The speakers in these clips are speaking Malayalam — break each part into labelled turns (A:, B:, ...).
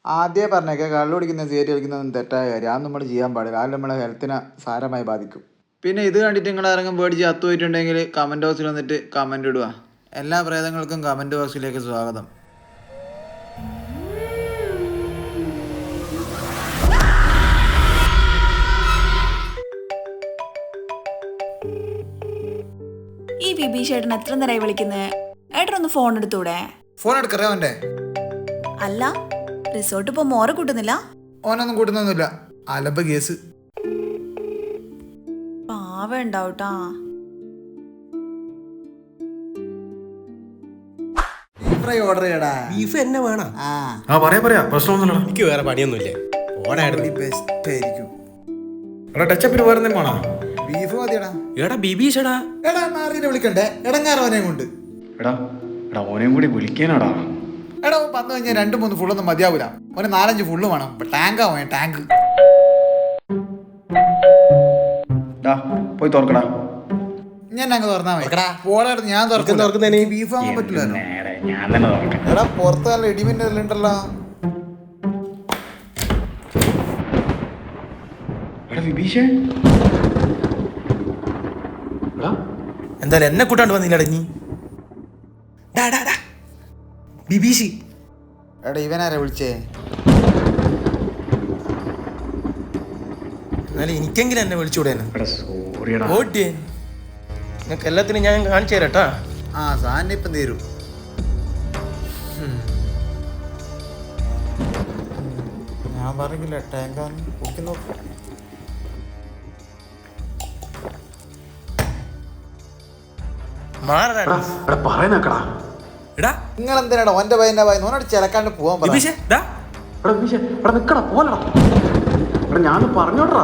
A: ആദ്യമേ പറഞ്ഞേക്കെ കള്ളു കുടിക്കുന്ന സിഗരറ്റ് കളിക്കുന്നതൊന്നും തെറ്റായ കാര്യം. അത് നമ്മൾ ചെയ്യാൻ പാടില്ല. അത് നമ്മളെ ഹെൽത്തിനെ സാരമായി ബാധിക്കും. പിന്നെ ഇത് കണ്ടിട്ട് നിങ്ങൾ ആരെങ്കിലും പേടിച്ച് അത്തുപോയിട്ടുണ്ടെങ്കിൽ കമൻറ്റ് ബോക്സിൽ വന്നിട്ട് കമൻറ്റ് ഇടുക. എല്ലാ പ്രേതങ്ങൾക്കും കമൻറ്റ് ബോക്സിലേക്ക് സ്വാഗതം.
B: ഈ ബിബീഷ് ഏട്ടൻ എത്ര നേരമായി വിളിക്കുന്നേ? ഏട്ടനൊന്ന് ഫോൺ എടുത്തൂടെ?
A: ഫോൺ എടുക്കറേ അവൻ്റെ.
B: അല്ല, റിസോർട്ട് ഇപ്പൊ മോറെ കൂട്ടുന്നില്ല?
A: ഓനൊന്നും കൂട്ടുന്നൊന്നുമില്ല. അലമ്പ കേസ്.
B: പാവ ഉണ്ടാവട്ടാ.
A: ഓർഡർ ചെയ്യടാ.
C: ബീഫ് എന്നെ വേണം.
D: പറയാ പ്രശ്നമൊന്നുമില്ല.
C: എനിക്ക് വേറെ പണിയൊന്നുമില്ലേ?
A: ബെസ്റ്റ് ആയിരിക്കും.
D: ടച്ചപ്പിന് വേറെ എന്തെങ്കിലും വേണോ?
A: ബീഫ് മതിയടാ.
C: എടാ ബിബീഷടാ.
A: എടാ നാറിനെ വിളിക്കണ്ടേ? എടങ്ങാറവനെ കൊണ്ട്.
D: എടാ ഓനെയും കൂടി വിളിക്കാനാടാ.
A: എടാ വന്നു കഴിഞ്ഞാൽ 2-3 ഫുള്ളൊന്നും മതിയാവൂല. ഒരു 4-5 ഫുള്ള് വേണം. ടാങ്ക് ആവേ ടാങ്ക്.
D: പോയി തുറക്കടാ.
A: ഞാൻ അങ്ങ് തുറന്നാ മതി. പോളായിരുന്നു ഞാൻ തുറക്കുന്നതിന് ബീഫ് വാങ്ങാൻ പറ്റില്ലല്ലോ.
D: ഞാൻ തന്നെ തുറക്കാം.
A: എടാ പുറത്ത് നല്ല ഇടിമിന്റെ ഉണ്ടല്ലോ.
D: എടാ വിഭീഷേ,
C: എന്തായാലും എന്നെ കൂട്ടാണ്ട് വന്നില്ലട നീ. ബിബീഷ്.
A: എടാ ഇവനാരാ വിളിച്ചേ?
C: എന്നാലും എനിക്കെങ്കിലും എന്നെ വിളിച്ചുകൂടെ?
D: സോറിയടാ.
C: ഓട്ടിയേ, നിനക്ക് എല്ലാത്തിനും ഞാൻ കാണിച്ചു തരാട്ടാ.
A: സാധനം ഇപ്പം തീരും. ഞാൻ പറഞ്ഞില്ല ടാങ്കാന്ന് പൊക്കി നോക്കും. നിങ്ങൾ എന്തിനാടാ ഓന്റെ പയ്യന്റെ പയ്യൻ ഓനോട് ചിലക്കാണ്ട് പോവാൻ പറഞ്ഞു.
D: ഞാൻ പറഞ്ഞോട്ടാ.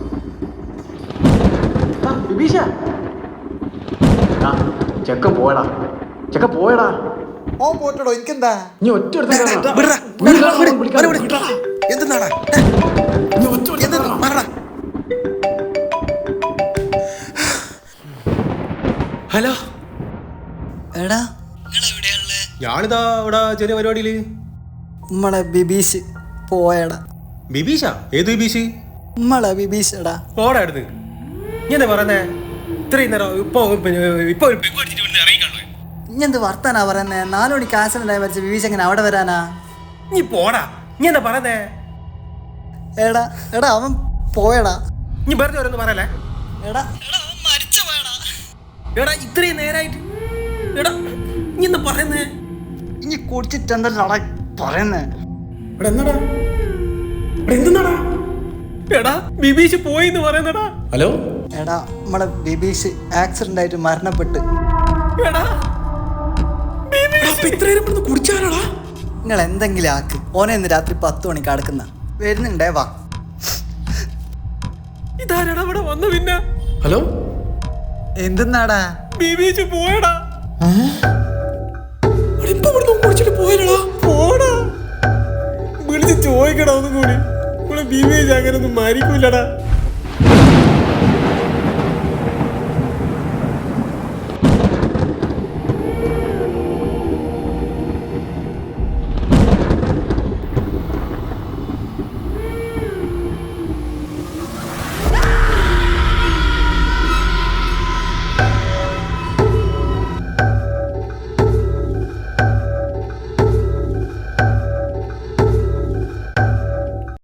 D: ചെക്ക പോയടാ.
A: ഓൻ പോട്ടടോ, എനിക്കെന്താ?
D: നീ ഒറ്റ
C: ഹലോ
E: എടാ,
C: ഞാനിതാ ഇവിടെ ചെറിയ പരിപാടിയില്.
E: നമ്മളെ ബിബീഷ് പോയടാ.
C: ബിബീഷാ? ഏത് ബിബീഷ്?
E: നമ്മളെ ബിബീഷ് എടാ.
C: ഓടാ എടുത്ത്. നീ എന്താ പറയുന്നേ? ഇത്രയും നേരം ഇപ്പൊ
E: ഇഞ്ഞെന്ത് വർത്താനാ പറയുന്നേ? 4 മണിക്ക് ആക്സിഡന്റ് ആയി മരിച്ച ബിബീഷ് എങ്ങനെ അവിടെ വരാനാ?
C: നീ പോടാ. നീ എന്താ പറയുന്നേ?
E: എടാ എടാ അവൻ പോയടാ.
C: നീ വെറുതെ ഓരോന്ന് പറയല്ലേ?
E: എടാ അവൻ മരിച്ചു പോയടാ.
C: എടാ ഇത്രയും നേരായിട്ട് എടാ നീ എന്താ പറയുന്നേ?
E: ഇനി കുടിച്ചിട്ട് എന്താ പറയുന്നേ?
C: എടാ ബിബീഷ് പോയിന്ന് പറയുന്നടാ. ഹലോ
E: എടാ നമ്മളെ ബിബീഷ് ആക്സിഡന്റ് ആയിട്ട് മരണപ്പെട്ട്.
C: എടാ കുടിച്ചാലാടാ.
E: നിങ്ങൾ എന്തെങ്കിലും ആക്ക്. ഓനെ ഇന്ന് രാത്രി 10 മണിക്ക് അടക്കുന്ന വരുന്നുണ്ടേ. വാ.
C: ഇതാരടാ ഇവിടെ വന്നു പിന്നെ? ഹലോ
A: എന്തെന്നാടാ?
C: ബിബീഷ് പോയടാ. ഇപ്പൊ ഇവിടെ കുടിച്ചിട്ട് പോയടാ. പോടാ, വിളിച്ച് ചോദിക്കടാ ഒന്നും കൂടി. ബിബീഷ് അങ്ങനെ ഒന്നും മരിക്കൂലടാ.